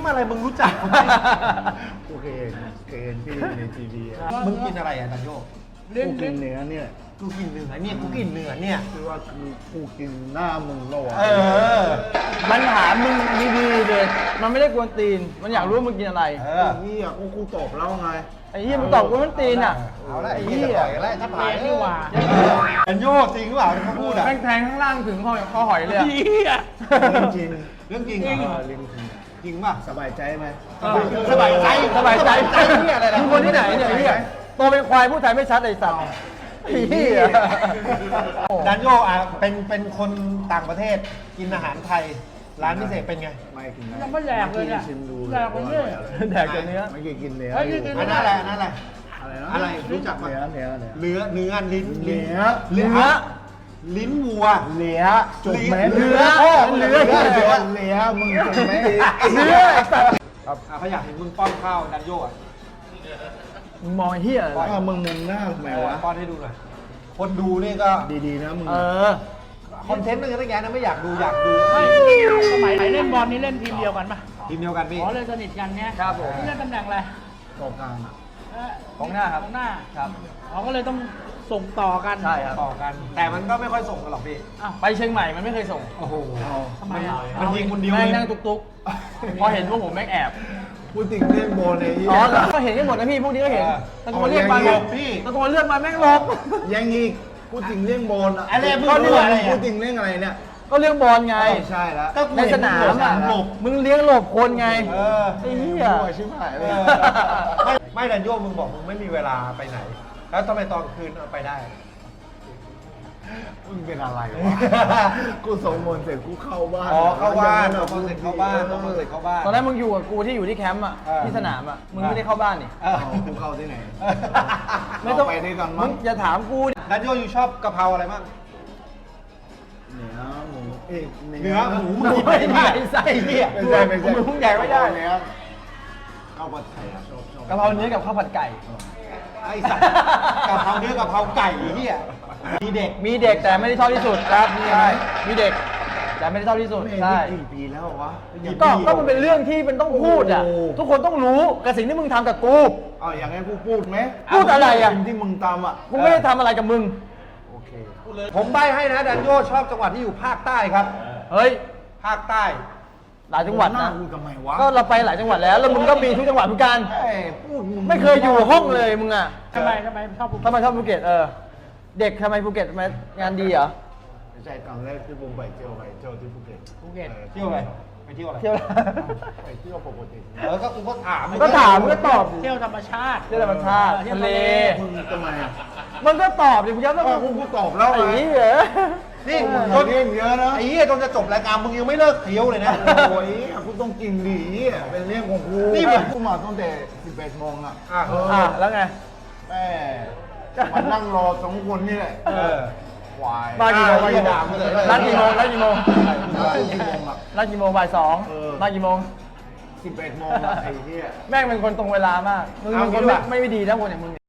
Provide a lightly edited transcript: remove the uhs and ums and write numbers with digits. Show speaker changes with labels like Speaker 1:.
Speaker 1: อะไรมึงรู้จักผมไหม
Speaker 2: กูเคยเห็นที่ในทีวี
Speaker 1: มึงกินอะไรอ่ะดันโย
Speaker 2: กูกินเนื้อเนี่ย
Speaker 1: กูกินเนื้อเนี่ยกูกินเนื้อเนี่ย
Speaker 2: คือว่ากูกินหน้ามึงแล้ววะ
Speaker 1: เออ
Speaker 3: มันถามมึงดีๆเลยมันไม่ได้กวนตีน มันอยากรู้ว่ามึงกินอะไร
Speaker 1: เออ
Speaker 2: นี่อ่ะกูตอบแล้วไง
Speaker 3: ไอ้เหี้ยมึงตอบกูมันตีนอ่ะ
Speaker 1: เอาละไอ้เหี้ยต่อยกันแล้วถ้าผ่าน
Speaker 4: นี่หว่า
Speaker 1: ดันโยจริงหรือเปล่าที่เขาพูดอ่ะ
Speaker 3: แม่งแทงข้างล่างถึงคอหอยเลยอะ
Speaker 2: จริง
Speaker 1: เรื่องจริง
Speaker 2: จ
Speaker 1: เหร
Speaker 2: ริง
Speaker 1: อ
Speaker 2: จริง
Speaker 1: จริงป่ะ
Speaker 2: สบายใจไหม
Speaker 1: สบายใจ
Speaker 3: สบายใจ
Speaker 1: เนี่ยอะไรนะ
Speaker 3: มึงคนที่ไหนเนี่ยไอ้เหี้ยโตเป็นควายพูดไทยไม่ชัดไอ้สัตว์ไอ้เหี้ย
Speaker 1: ดันโยอ่ะเป็นคนต่างประเทศกินอาหารไทยร้านพิเศษเป็นไง
Speaker 2: ไม่กินนะ
Speaker 4: ยังไม่แหลกเลยเนี่ย
Speaker 2: ชิมดู
Speaker 4: แหลกเลยเนี่ย
Speaker 3: แดกแต่เนื้อ
Speaker 2: ไม่เคยกินเนื้อ
Speaker 4: เฮ้ยกิน
Speaker 1: อันนั้นอะไรอันนั้นอะไร
Speaker 2: อะไรนะ
Speaker 1: อะไรรู้จักปะ
Speaker 2: เนื้อ
Speaker 1: เนื้อลิ้น
Speaker 2: เนื้อ
Speaker 1: ลิ้นวัว
Speaker 2: เนื้อจบไหม
Speaker 1: เนื้อ
Speaker 2: เนื้อมึงจบไหม
Speaker 3: เนื้อไอ้สัตว์
Speaker 1: เขาอยากเห็นมึงป้อนข้าวดันโยอ่ะ
Speaker 3: มึงมองไอ้เหี้ยอะไร
Speaker 2: ว่ามึงหน้าทำไมวะ
Speaker 1: ป้อนให้ดูหน่อยคนดูนี่ก็
Speaker 2: ดีๆนะมึง
Speaker 3: เออ
Speaker 1: คอนเทนต์นึงตั้งแยะนะไม่อยากดูอยากดู
Speaker 4: สมัยเล่นบอลนี่เล่นทีมเดียวกันปะ
Speaker 1: ทีมเดียวกันพี่
Speaker 4: อ๋อเล่นสนิทกันเนี่ย
Speaker 3: ครับผม
Speaker 4: นี่เล่นตำแหน่งอะไร
Speaker 2: ตรงกลาง
Speaker 3: กองหน้าครับ
Speaker 4: กองหน้า
Speaker 3: ครับ
Speaker 4: อ๋อก็เลยต้องส่งต่อกัน
Speaker 3: ใช่ครับ
Speaker 1: ต่อกัน แต่มันก็ไม่ค่อยส่งกันหรอกพี่
Speaker 4: อ้าว
Speaker 3: ไปเชียงใหม่มันไม่เคยส่ง
Speaker 1: โอ้โห
Speaker 4: ทำไมอ่ะ
Speaker 1: มันยิงคนเดียว
Speaker 3: แม่ง
Speaker 1: เลย
Speaker 3: นั่งตุ๊กๆ พอเห็นพวกผมแม่งแอบ
Speaker 2: พูดถึงเรื่องโบนใน
Speaker 3: อ๋อก็เห็นกันหมดนะพี่ พวกนี้ก็เห็นตะโกนเรียกมา
Speaker 1: พี่
Speaker 3: ตะโกนเรียกมาแม่งหลบ
Speaker 2: ยังอีกพูดถึงเรื่องโบน
Speaker 1: อะไรมึง
Speaker 2: ก็
Speaker 1: พูดอะไร
Speaker 2: พูดถึงเรื่องอะไรเนี่ย
Speaker 3: ก็เรื่องบอลไง
Speaker 2: ใช่แล้ว
Speaker 1: ก็กู
Speaker 3: ในสนามอ่ะ
Speaker 1: หลบ
Speaker 3: มึงเลี้ยงหลบคนไง
Speaker 1: เออ
Speaker 3: ไอ้เหี้ย
Speaker 2: ชิบหายเล
Speaker 1: เอย อไม่ดันโยมึงบอกมึงไม่มีเวลาไปไหน แล้วทำไมตอนคืนเอาไปได้
Speaker 2: มึงเป็นอะไรวะ กูส่งมนต์เสร็จกูเข้าบ้าน
Speaker 1: อ๋อเข้าบ้าน
Speaker 2: แล้ว
Speaker 1: คอนเซ็ปต์เข้าบ้านคอนเซ็ปต์เข้าบ้าน
Speaker 3: ตอนแรกมึงอยู่กับกูที่อยู่ที่แคมป์อ่ะ
Speaker 1: เออ
Speaker 3: ที่สนามอ่ะ มึงไม่ได้เข้าบ้านนี่
Speaker 1: เออ
Speaker 2: เอากูเข้าที่ไหน
Speaker 3: ไม่ต้อง
Speaker 2: เราไปด้วยกัน
Speaker 3: มึ
Speaker 2: มั้
Speaker 3: ง
Speaker 2: ง
Speaker 3: อย่าถามกูดิ
Speaker 1: ดันโยอยู่ชอบกะเพราอะไรบ้าง
Speaker 2: เนื้อหมูเอ๊ะ
Speaker 1: เนื้อหมูมึงกินไม่ได้ไส้เหี้ย
Speaker 2: ไม่ใช่ไม่ใช่
Speaker 3: มึงแดกไม่ได้
Speaker 2: เนื้อข้าวผัดไทยอะชอบ
Speaker 3: กะเพราเนื้อกับข้าวผัดไก่
Speaker 1: ไอ้สัตว์กะเพราเนื้อกะเพราไก่เหี้ยมีเด็ก
Speaker 3: มีเด็กแต่ไม่ได้ชอบที่สุดครับใช่มีเด็กแต่ไม่ได้ชอบที่สุด
Speaker 2: ไม่
Speaker 3: ใช่
Speaker 2: กี่ปีแล้ววะ
Speaker 3: ก็มันเป็นเรื่องที่มันต้องพูดอ่ะ
Speaker 2: โอ้
Speaker 3: ทุกคนต้องรู้กับสิ่งที่มึงทำกับกู
Speaker 2: เอาอย่างงั้นกูพูดไหม
Speaker 3: พูดอะไรอะ
Speaker 2: สิ่งที่มึงทำอ่ะ
Speaker 3: กูไม่ได้ทำอะไรกับมึง
Speaker 2: โอเค
Speaker 1: ผมใบให้นะดันโยชอบจังหวัดที่อยู่ภาคใต้ครับ
Speaker 3: เฮ้ย
Speaker 1: ภาคใต้
Speaker 3: หลายจังหวัด
Speaker 2: หน้า
Speaker 3: นะ
Speaker 2: กูทำไมวะ
Speaker 3: ก็เราไปหลายจังหวัดแล้วแล้วมึงก็มีทุกจังหวัดเหมือนกัน
Speaker 2: เอ้ยพูดง
Speaker 3: ไม่เคยอยู่ห้องเลยมึงอ่ะ
Speaker 4: ทำไมชอบ
Speaker 3: ทำไมชอบภูเก็ตเด็กทำไมภูเก็ตทำไมงานดีเหรอ
Speaker 2: ไม่ใช่ครั้งแรกที่ผมไปเที่ยวที่ภูเก็ต
Speaker 4: ภูเก็ต
Speaker 1: เที่ยวอะไรไปเที่ยวอะไร
Speaker 3: เที่ยว
Speaker 2: ไปเที่ยวปกติ
Speaker 1: ก็กูก็ถาม
Speaker 3: ก็ถามมึงก็ตอบ
Speaker 4: เที่ยวธรรมชาติ
Speaker 3: เที่ยวธรรมชาติ
Speaker 4: เที่ยว
Speaker 3: ทะเล
Speaker 2: มึงทำไมอ่ะ
Speaker 3: มันก็ตอบดิมึงย้ำต้อง
Speaker 2: กูตอบแล้ว
Speaker 3: ไอ้
Speaker 2: ไง
Speaker 3: เหี้ย
Speaker 1: นี่
Speaker 2: มึง
Speaker 1: จน
Speaker 2: เรื่องเยอะนะ
Speaker 1: ไอ้เหี้ยจนจะจบรายการมึงยังไม่เลิกเที่ยวเลยนะ
Speaker 2: โอ้ยกูต้องกินดีเป็นเรื่องของกู
Speaker 1: นี่มัน
Speaker 2: กูมาตั้งแต่11 โมงอ่ะ
Speaker 1: อ่ะ
Speaker 3: แล้วไง
Speaker 2: แม่มันนั่งรอสองคนนี่แหละ
Speaker 1: เออ
Speaker 2: ควาย
Speaker 3: มากี่โมง
Speaker 1: อย่าด่ากูเลย
Speaker 3: ร้านกี่โมงร้านกี่โมง
Speaker 2: กี่โมงอ่ะ
Speaker 3: ร้านกี่โมงบ่ายสอง
Speaker 2: เออ
Speaker 3: มากี่โมง
Speaker 2: 11 โมงอ่ะไอ้เหี้ย
Speaker 3: แม่งเป็นคนตรงเวลามากมึงเป็นคนไม่ดีนะคนอย่างมึง